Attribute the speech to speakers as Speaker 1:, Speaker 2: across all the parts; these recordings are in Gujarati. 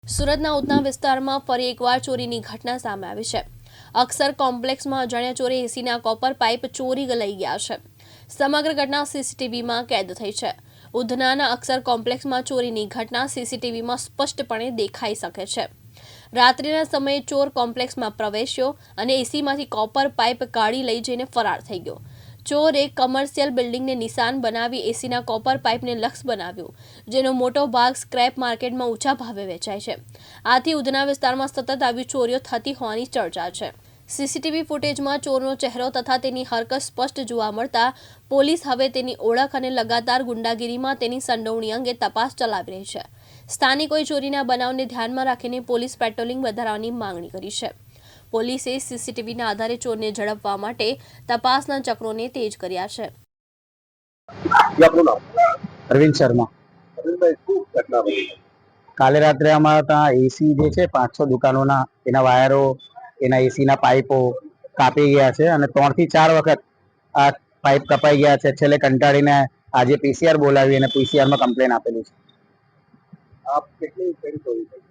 Speaker 1: સુરતના ઉધના વિસ્તારમાં ફરી એકવાર ચોરીની ઘટના સામે આવી છે। અક્ષર કોમ્પ્લેક્સમાં અજાણ્યા ચોરે એસીના કોપર પાઇપ ચોરી લઈ ગયા છે। સમગ્ર ઘટના સીસીટીવીમાં કેદ થઈ છે। ઉધનાના અક્ષર કોમ્પ્લેક્સમાં ચોરીની ઘટના સીસીટીવીમાં સ્પષ્ટપણે દેખાઈ શકે છે। રાત્રિના સમયે ચોર કોમ્પ્લેક્સમાં પ્રવેશ્યો અને એસીમાંથી કોપર પાઇપ કાઢી લઈ જઈને ફરાર થઈ ગયો। ચોરે કમર્શિયલ બિલ્ડિંગને નિશાન બનાવી એસીના કોપર પાઇપને લક્ષ્ય બનાવ્યું, જેનો મોટો ભાગ સ્ક્રેપ માર્કેટમાં ઊંચા ભાવે વેચાય છે। આથી ઉધના વિસ્તારમાં સતત આવી ચોરીઓ થતી હોવાની ચર્ચા છે। સીસીટીવી ફૂટેજમાં ચોરનો ચહેરો તથા તેની હરકત સ્પષ્ટ જોવા મળતા પોલીસ હવે તેની ઓળખ અને લગાતાર ગુંડાગીરીમાં તેની સંડોવણી અંગે તપાસ ચલાવી રહી છે। સ્થાનિકોએ ચોરીના બનાવને ધ્યાનમાં રાખીને પોલીસ પેટ્રોલિંગ વધારવાની માંગણી કરી છે। પોલીસે સીસીટીવીના આધારે ચોરને ઝડપવા માટે તપાસના ચક્રોને તેજ કર્યા છે।
Speaker 2: અરવિંદ શર્મા। કાલે રાત્રે અમારા ત્યાં એસી જે છે 500 દુકાનોના એના વાયરો, એના એસીના પાઇપો કાપી ગયા છે અને 3 થી 4 વખત આ પાઇપ કપાઈ ગયા છે। છેલ્લે કંટાળીને આજે પીસીઆર બોલાવી અને પીસીઆરમાં કમ્પ્લેન આપેલી છે।
Speaker 3: આપ કેટલી ચોરી થઈ?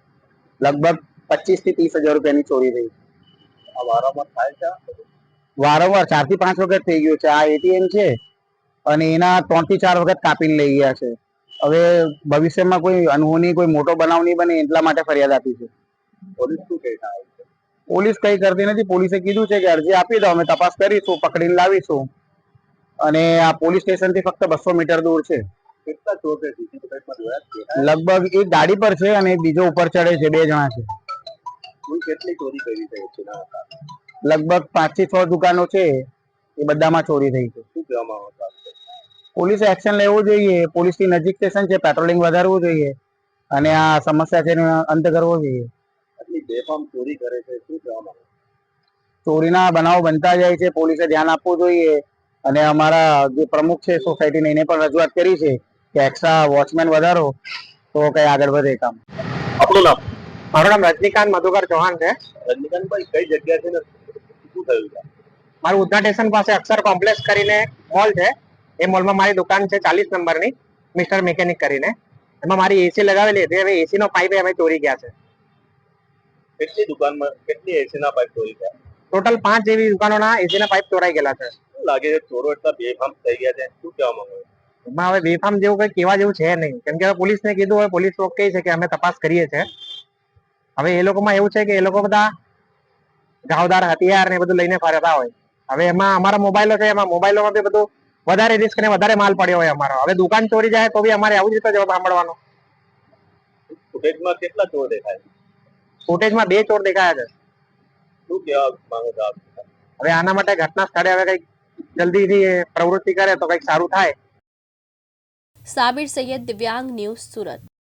Speaker 2: લગભગ 25 થી 30 હજાર રૂપિયાની ચોરી થઈ।
Speaker 3: આ વારંવાર થાય છે?
Speaker 2: વારંવાર 4 થી 5 વખત થઈ ગયું છે। આ એટીએમ છે અને એના 3 થી 4 વખત કાપીને લઈ ગયા છે। હવે ભવિષ્યમાં કોઈ અનહોની કોઈ મોટો બનાવ નહીં બને એટલા માટે ફરિયાદ આપી છે।
Speaker 3: પોલીસ શું કહેતા હોય છે?
Speaker 2: પોલીસ કઈ કરતી નથી। પોલીસે કીધું છે કે અરજી આપી દો, અમે તપાસ કરીશું, પકડીને લાવીશું। અને આ પોલીસ સ્ટેશન થી ફક્ત 200 મીટર દૂર છે।
Speaker 3: કેટલા ચોર છે? સીસીટીવીમાં જોયા છે?
Speaker 2: લગભગ એક ગાડી પર છે અને બીજો ઉપર ચડે છે। 2 જણા છે।
Speaker 3: કુલ કેટલી ચોરી કરી છે?
Speaker 2: લગભગ 5 થી 6 દુકાનો છે, એ બધામાં ચોરી થઈ છે।
Speaker 3: શું કહેવામાં આવતા?
Speaker 2: પોલીસે એક્શન લેવું જોઈએ। પોલીસની નજીક સ્ટેશન છે, પેટ્રોલિંગ વધારવું જોઈએ અને આ સમસ્યા છે એનો અંત કરવો જોઈએ।
Speaker 3: આટલી બેફામ ચોરી કરે છે, શું કહેવામાં આવે?
Speaker 2: ચોરીના બનાવો બનતા જાય છે, પોલીસે ધ્યાન આપવું જોઈએ અને અમારા જે પ્રમુખ છે સોસાયટીને એને પણ રજૂઆત કરી છે કે એક્સ્ટ્રા વોચમેન વધારો તો કઈ આગળ વધે કામ।
Speaker 3: આપણું નામ?
Speaker 4: મારું નામ રજનીકાંત મધુકર ચૌહાણ છે।
Speaker 3: રજનીકાંતભાઈ, કઈ જગ્યા છે ને શું થયું છે?
Speaker 4: મારું ઉધના સ્ટેશન પાસે અક્ષર કોમ્પ્લેક્સ કરીને મોલ છે। એ મોલમાં મારી દુકાન છે 40 નંબરની, મિસ્ટર મિકેનિક કરીને। એમાં મારી એસી લગાવેલી હતી, હવે એસી નો પાઇપ અમે ચોરી ગયા છે।
Speaker 3: કેટલી દુકાનમાં કેટલી એસીના પાઇપ ચોરી ગયા?
Speaker 4: ટોટલ 5 જેવી દુકાનોના એસીના પાઇપ ચોરાઈ ગયેલા છે।
Speaker 3: શું લાગે છે ચોરો એટલા બેફામ થઈ ગયા છે? શું કહેવામાં આવે?
Speaker 4: એમાં હવે બેફામ જેવું કઈ કહેવા જેવું છે નહીં, કેમ કે હવે પોલીસને કીધું, હવે પોલીસ લોકો કહે છે કે અમે તપાસ કરીએ છીએ। હવે એ લોકોમાં એવું છે કે એ લોકો બધા ઘાવદાર હથિયાર ને બધું લઈને ફરતા હોય। હવે એમાં અમારા મોબાઈલો છે, એમાં મોબાઈલોમાં બી બધું વધારે રિસ્ક ને વધારે માલ પડ્યો હોય અમારો। હવે દુકાન ચોરી જાય તો બી અમારે આવું જ રીતે જવાબ સાંભળવાનો।
Speaker 3: ફૂટેજમાં કેટલા ચોર દેખાય?
Speaker 4: ફૂટેજમાં 2 ચોર દેખાયા છે।
Speaker 3: શું કહેવા માંગો છો આપ?
Speaker 4: હવે આના માટે ઘટના સ્થળે હવે કઈક જલ્દીથી પ્રવૃત્તિ કરે તો કઈક સારું થાય।
Speaker 1: સાબિર સૈયદ, દિવ્યાંગ ન્યૂઝ, સુરત।